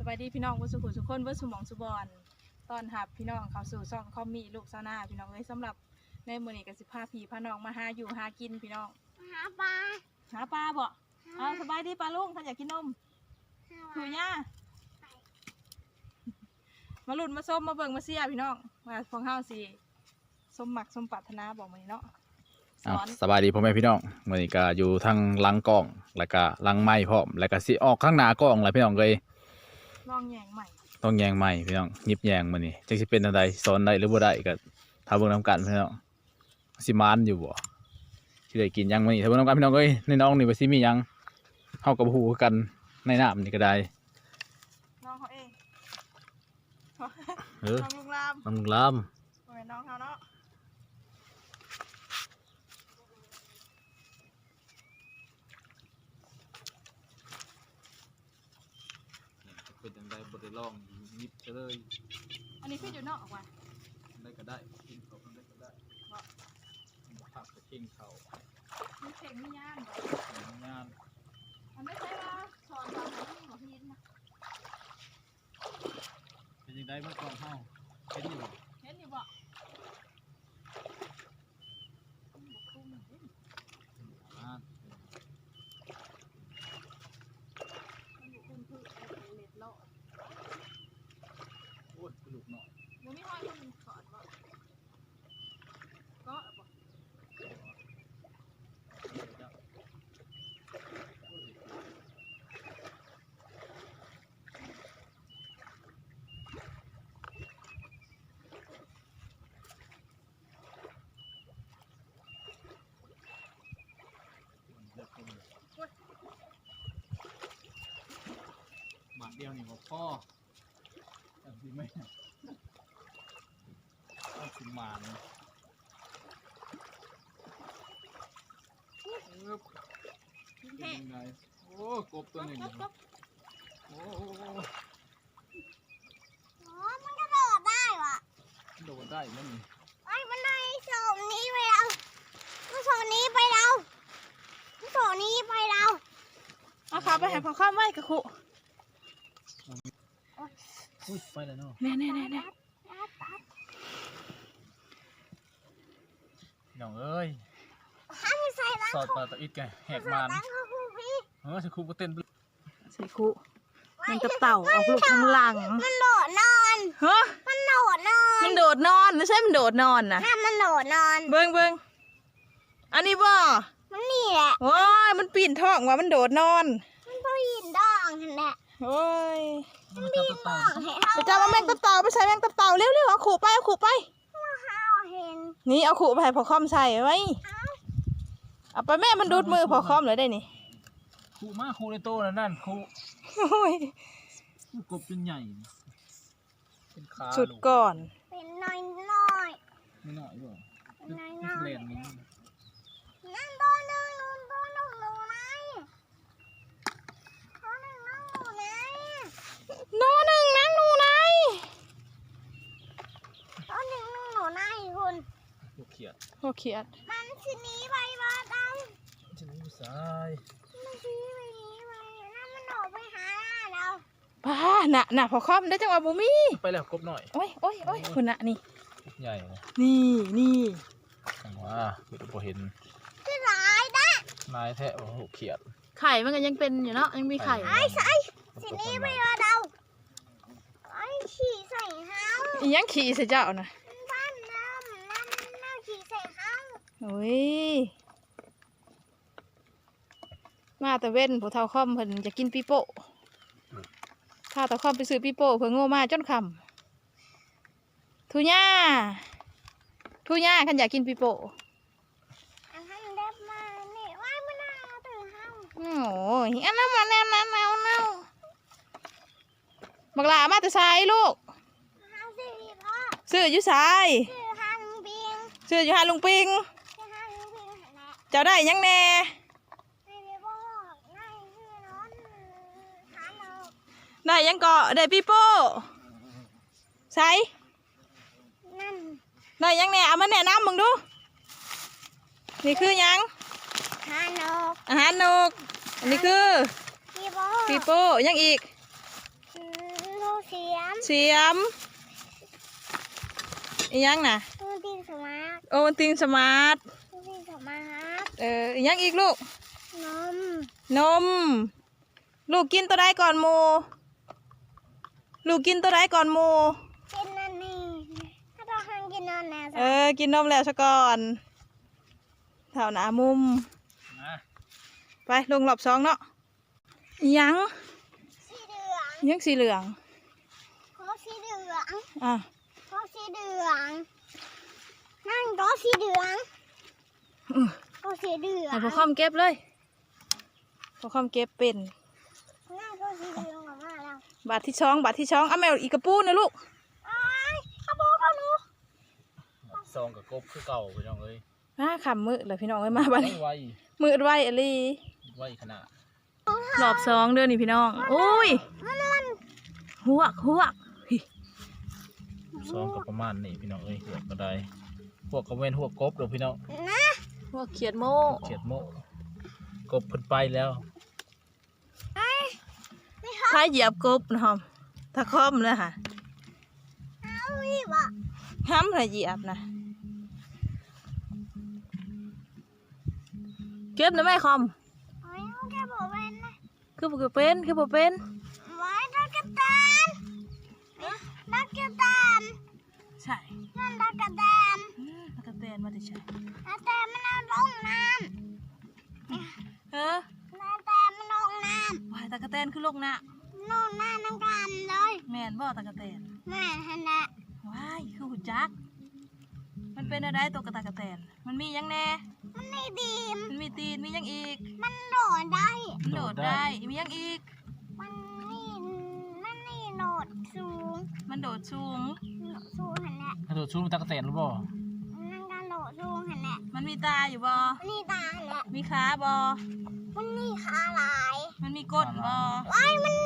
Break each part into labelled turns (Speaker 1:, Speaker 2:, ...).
Speaker 1: บายดีพี่น้องบุสุขุสุขคนบุสุหมองสุบอนตอนหับพี่น้องเขาสู่ซ่องเขามีลูกซาหน้าพี่น้องเลยสำหรับในมื้อนี้กับ15พี่พาน้องมาหาอยู่หากินพี่น้อง
Speaker 2: หาปลา
Speaker 1: บ่เอาสบายดีปลาลุงท่านอยากกินนมถือย่ามาหลุดมาส้มมาเบิ่งมาเสียพี่น้องมาพองเฮาสิส้มหมักส้มปรารถนาบอกมาเนาะ
Speaker 3: สบายดีพ่อแม่พี่น้องมื้อนี้ก็อยู่ทางหลังกล้องแล้วก็หลังไม้พร้อมแล้วก็สิออกข้างหน้ากล้องแล้วพี่น้องเอ้ย
Speaker 1: ลองแยงใหม่
Speaker 3: ต้องแยงใหม่พี่น้องยิบแยงมื้อนี้จักสิเป็นจังไดสอนได้หรือบ่ได้ก็ถ้าเบิ่งนำกันพี่น้องสิมานอยู่บ่สิได้กินหยังมื้อนี้ถ้าเบิ่งนำกันพี่น้องเอ้ยในน้องนี่ว่าสิมีหยังเฮาก็บ่ฮู้คือกันในน้ำนี่ก็ได้
Speaker 1: น้องเขาเอง
Speaker 3: น้องลุงลามน้องลุงลาม
Speaker 1: เป็นน้องเขาเนาะ
Speaker 3: เป็นจังไดบ่ได้ลองยิบซะเลย
Speaker 1: อันนี้คืออยู่นอกออกมา
Speaker 3: ได้ก็ได้กินเขาได้ก็ได้ผักกระเทียมเขา
Speaker 1: มีเข่งมีย่าน
Speaker 3: ย่าน
Speaker 1: มันไม่ใช่ว่าสอนตอนไหนที่หมอพินนะ
Speaker 3: เป็นยังไงเมื่อก่อนเฮาเห็นอยู่บ่โอ้ยลูกหน่อย
Speaker 1: มันไม่ห้อยมันสอนบ่ก็บ่
Speaker 3: หมาเดียวนี่บ่พ่อจังสิแม่ต้องสิหมานเป็นยังไงโอ้กบตัวหนึ่งโอ้
Speaker 2: มันกระโดดได้วะ
Speaker 3: โดดได้มั้งนี่
Speaker 2: ไอ้มันได้โซนนี้ไปเราโซนนี้ไปเราโซนนี้ไปเรา
Speaker 1: เอาขาไปให้พอข้ามไว้กระคุ
Speaker 3: อุ้ยไปแล้วเนาะ
Speaker 1: แน่
Speaker 3: น้องเอ้ยสอดปลาตะอิดแกแหกมันสิครูก็เต้น
Speaker 1: ใส่คุมันกระเต่าออกลูกข้างหลัง
Speaker 2: มันโดดนอน
Speaker 1: ฮะ
Speaker 2: มันโดดนอน
Speaker 1: ไม่ใช่มันโดดนอนนะ
Speaker 2: ถ้ามันโดดนอน
Speaker 1: เบิ้งอันนี้บ่
Speaker 2: มันนี่แหละ
Speaker 1: โอ้ยมันปีนท้องว่ะมันโดดนอน
Speaker 2: มันปีนดองนั่นแหละ
Speaker 1: โอ้ย
Speaker 2: มันปีนดอง
Speaker 1: ไปจับแมงกระเต่าไปใส่แมงกระเต่าเร็วเอาขู่ไปนี่เอาขู่ไปให้พอคอมใส่ไว้เอาไปแม่มันดูดมือพอคอมเลยได้นี่
Speaker 3: ขู่มาขู่ในโตนั่นขู่กบเป็นใหญ่เป็นขา
Speaker 1: สุดก่อน
Speaker 2: เป็นน้อย
Speaker 3: ไม่น้อยบ่
Speaker 2: เป็นน้อย
Speaker 3: เล่นนี่
Speaker 2: นั่นตัวหนึ่งหนูไหนตัวหนึ่งนั่งหนูไหน
Speaker 1: ตัวหนึ่งนั่งหนูไหน
Speaker 2: ตัวหนึ่งนั่งหนูไหนคุณ
Speaker 3: ลูกเขียด
Speaker 2: มันชนีไปบ้านเรา
Speaker 3: ชนีผู้ชาย
Speaker 2: มันชนีไปนั่นมันออกไปหาเรา
Speaker 1: ป้าน่ะพอคอมได้จังหวะบูมี่
Speaker 3: ไปแล้วกบหน่อย
Speaker 1: โอ้ยคุณน่ะนี่
Speaker 3: ใหญ่
Speaker 1: นี่
Speaker 3: ว่าไม่รู้พอเห็น
Speaker 2: คือลายได้
Speaker 3: ลายแท้โอ้โหเขียด
Speaker 1: ไข่มันก็ยังเป็นอยู่เนาะยังมีไข่
Speaker 2: ไอ้ชนีไปบ้านเราไอ้ขี่ใส่เท้า
Speaker 1: ยังขี่ใส่เจ้านะโอ้ยมาแต่เว้นผู้เฒ่าค่อมเพิ่นจะกินปีโป้ถ้าตะค่อมไปซื้อปีโป้เพิ่นโง่มาจนคำทุญ่าขันอยากกินปีโป้โอ้ยอันนั้นมาแนวบักหลามาแต่ทรายลูกซื้ออยู่ทรายซื้ออยู่หาลุงปิงเจ้าได้ยังแน่ได้ยังเกาะได้ปีโป้ใส่ได้ยังแน่เอามาแนะนำมึงดูนี่คือยังอาหารนกอันนี้คือปีโป้ยังอีก
Speaker 2: เสียม
Speaker 1: เสียมอีหยังน่ะ
Speaker 2: ตัวตีนสมาร์ท
Speaker 1: โอวัลตินสมาร์ท
Speaker 2: ตัวตีนสมาร์ท
Speaker 1: อีหยังอีกลูก
Speaker 2: นม
Speaker 1: นม ลูกกินตัวใดก่อนหมูลูกกินตัวใดก่อนหมู
Speaker 2: กินนั่นนี่ถ้าเราหันกินนอนแน่จ้ะ
Speaker 1: กินนมแล้วซะก่อนแถวหน้ามุม
Speaker 3: นะ
Speaker 1: ไปลงรอบสองเนาะอิหยัง
Speaker 2: สีเหลือง
Speaker 1: อิหยังสีเหลือง
Speaker 2: โคสีเหลือง
Speaker 1: อ่ะ
Speaker 2: โคสีเหลืองนั่นโคสีเหลือง
Speaker 1: อื้อ
Speaker 2: โคสีเหลือง
Speaker 1: ให้พอคอมเก็บเลยพอคอมเก็บเป็น
Speaker 2: นั่นโคสีเหลืองออกมาแล้ว
Speaker 1: บาทที่ช้องบาทที่ช้องเอาแมวอีกกระปูนะลูก
Speaker 2: ไอ้ขโมยเขาหนู
Speaker 3: ซองกับกบคือเก่าพี่น้องเอ้ย
Speaker 1: มาขำมือเลยพี่น้องเอ้ยมาบ้านนี้
Speaker 3: ไว
Speaker 1: มืดไว้อลี
Speaker 3: ไวขนาด
Speaker 1: รอบสองเด้อนี่พี่น้องโอ้ยหวกเฮ้ย
Speaker 3: ซองกับประมาณนี้พี่น้องเอ้ยหัวกระไดพวกกระเวนหัวกบเด้อพี่น้อง
Speaker 2: นะ
Speaker 1: หวกเขียดโม่
Speaker 3: เขียดโมกบเพิ่นไปแล้ว
Speaker 2: ไอ้ไม่เขา
Speaker 1: พายเหยียบกบนะครับถ้าคอมเลยค่ะ
Speaker 2: เอาอีกอ่ะ
Speaker 1: ห้ำถ้าเหยียบนะเก็บนะแม่คอม
Speaker 2: ไอ้เขาแค่บอกเป็นนะ
Speaker 1: คือบ่เป็นคือบ่เป็น
Speaker 2: ไว้ดักกระแตนดักกระแตน
Speaker 1: ใช่
Speaker 2: นั่นดักกระแตน
Speaker 1: ตะกะแตนมาได้ใช่
Speaker 2: ดักกระแตนมันเอาลงน้
Speaker 1: เออ
Speaker 2: ำดักกระแตนมันลงน้
Speaker 1: วายตะกะแตนคือลงนะ
Speaker 2: ำลงน้ำน้ำกันเลย
Speaker 1: แม่นบ่ตะกะแตน
Speaker 2: แม่ฮันนะ
Speaker 1: ว้ายคือหุ่นจัก มันเป็นอะไรตัวกระตากระแตน มันมีหยังแน่
Speaker 2: มันไม่ดีม
Speaker 1: มันมีตีนมีหยังอีก
Speaker 2: มันโดดได้
Speaker 1: มันโดดได้ มีหยังอีก
Speaker 2: มันนี่โดดสูง
Speaker 1: มันโดดสูง
Speaker 2: โดดสูงหันแหละ
Speaker 3: กระโดดชูมันตะกะแตนหรือบ่
Speaker 2: นั่งการโดดสูงหันแหละ
Speaker 1: มันมีตาอยู่บ่
Speaker 2: มันนี่ตาหันแหละ
Speaker 1: มีขาบ่
Speaker 2: มันนี่ขาลาย
Speaker 1: มันมีก้นบ่
Speaker 2: ว้ายมัน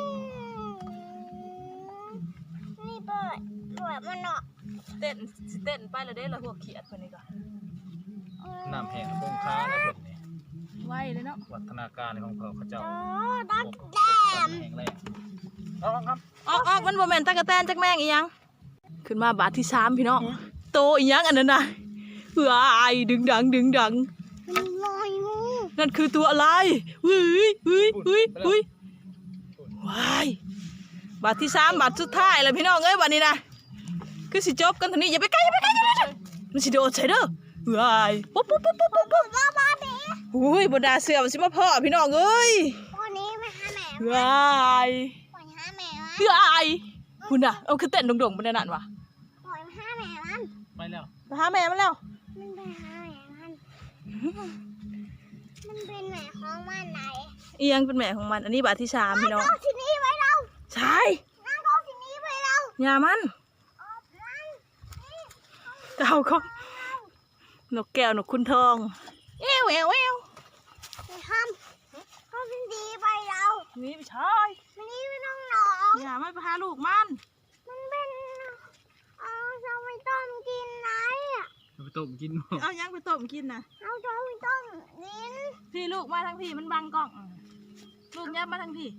Speaker 2: นี่เปิดมันเนาะ
Speaker 1: เต้นสิเต้นไปแล้วเด้ละพวกเขียดคนนี้ก่อน
Speaker 3: น้ำแห้งโป่งค้าในเพิ่นนี่
Speaker 1: ไวเลยเนาะ
Speaker 3: วัฒนาการของเขาเจ้า
Speaker 2: โอ้ดักแดม
Speaker 3: แห้งแรงเอาครับ
Speaker 1: ออกมันบ่แม่นตากระแตนจักแม่งอีหยัง ขึ้นมาบาทที่3พี่น้อง โตอีหยังอันนั้นน่ะว้ายดึงดัง
Speaker 2: มันลอยงู
Speaker 1: นั่นคือตัวอะไรว้ายบาทที่3บาทสุดท้ายแล้วพี่น้องเอ้ยบัดนี้นะคือสิจบกันเท่านี้อย่าไปใกล้มันสิโดดใส่เด้อว้ายปุ๊บ
Speaker 2: บ้าเบ๊
Speaker 1: อุ้ยบดาเสือมันสิมาพ่อพี่น้องเอ้ย
Speaker 2: วันนี้ไปหาแม่
Speaker 1: ว้าย
Speaker 2: ปล่อยหาแม่มัน
Speaker 1: ว้ายคุณน่ะเอาคือเต้นโด่งๆบนนั่นวะ
Speaker 2: ปล่อยหาแม่มัน
Speaker 3: ไปแล้ว
Speaker 1: ไปหาแม่มันแล้ว
Speaker 2: มันไปหาแม่มันมันเป็นแม่ของมันไหน
Speaker 1: อียังเป็นแม่ของมันอันนี้บาทที่3พี่น้อง
Speaker 2: เอาที่นี่ไว้เรา
Speaker 1: ใช่
Speaker 2: นั่งเอาที่นี่ไว้เรา
Speaker 1: อย่ามัน
Speaker 2: เอานั่งนี่
Speaker 1: เจ้าของนกแก้วนกคุณทองเอว
Speaker 2: ไปทำเขาเป็นดีไปเรา
Speaker 1: นี่ไม่ใช่
Speaker 2: วันนี้ไม่ต้องหนอง
Speaker 1: อย่ามันไปหาลูกมัน
Speaker 2: มันเป็นเอาจะไปต้มกินไหนอ่ะ
Speaker 3: ไปต้มกินบ่
Speaker 1: เอายังไปต้มกินนะ
Speaker 2: เอาจะไปต้มกิน
Speaker 1: พี่ลูกมาทางพี่มันบังกล้องลูกยับมาทางพี่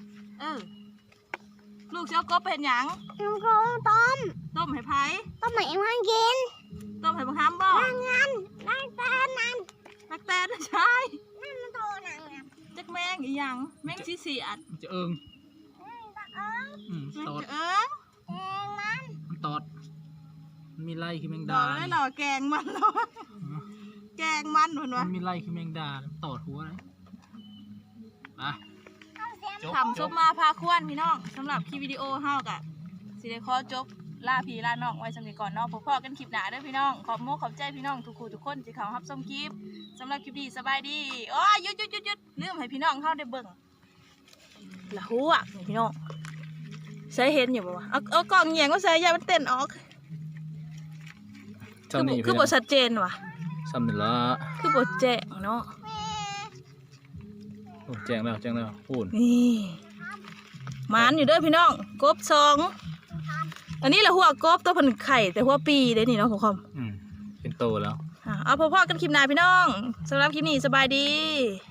Speaker 1: ลูกเจ้ากบเป็นหยัง
Speaker 2: น้ำโคต้ม
Speaker 1: ต้มให้ไผ่
Speaker 2: ต้มใหม่มันกิน
Speaker 1: ต้มให้บังคับบ่
Speaker 2: นั่งงั้นได้แต่นั่น
Speaker 1: ตักแตนใช่
Speaker 2: นั่นมันโตนั่งอ่ะ
Speaker 1: จักแมงอีหยังแมงชีเสียด
Speaker 3: มันจะเอิง
Speaker 2: ตะเอิง
Speaker 1: แมง
Speaker 3: ตอด
Speaker 1: จะเอิง
Speaker 2: มัน
Speaker 3: มันตอดมันมีไล่คือแมง
Speaker 1: ดอ
Speaker 3: ดาก
Speaker 1: ได้หล่อแกงมันเนาะแกงมันเหมือน
Speaker 3: มั
Speaker 1: วะ
Speaker 3: นมีไล่คือแมงดาตอดหัวเลยอ่ะ
Speaker 2: เอาเสียง
Speaker 1: ทำซุปมาพาควนพี่น้องสำหรับคลิปวิดีโอเฮากะสิได้ขอจบลาพี่ลาน้องไว้สำหรับก่อนเนาะพบกันคลิปหน้าเด้อพี่น้องขอบโมขอบใจพี่น้องทุกคู่ทุกคนที่เขารับชมคลิปสำหรับคลิปนี้สบายดีโอ้ยหยุดลืมให้พี่น้องเข้าได้เบิ่งละหัวนี่พี่น้องใส่เห็นอยู่บ่วะเอากล่องแยงก็ใส่ยามันเต้นออก
Speaker 3: ซ้ำนี่
Speaker 1: คือบ่ชัดเจนว่ะ
Speaker 3: ซ้ำนี่ละ
Speaker 1: คือบ่แจ้งเนาะ
Speaker 3: โอ้แจ้งแล้วพูด
Speaker 1: นี่หมานอยู่เด้อพี่น้องกบ2อันนี้แหละหัวกบตัวเพิ่นไข่แต่หัวปีเด้นี่เนาะพ่อคอม
Speaker 3: เป็นโตแล้ว
Speaker 1: เอาพอๆกันคลิปหน้าพี่น้องสำหรับคลิปนี้สบายดี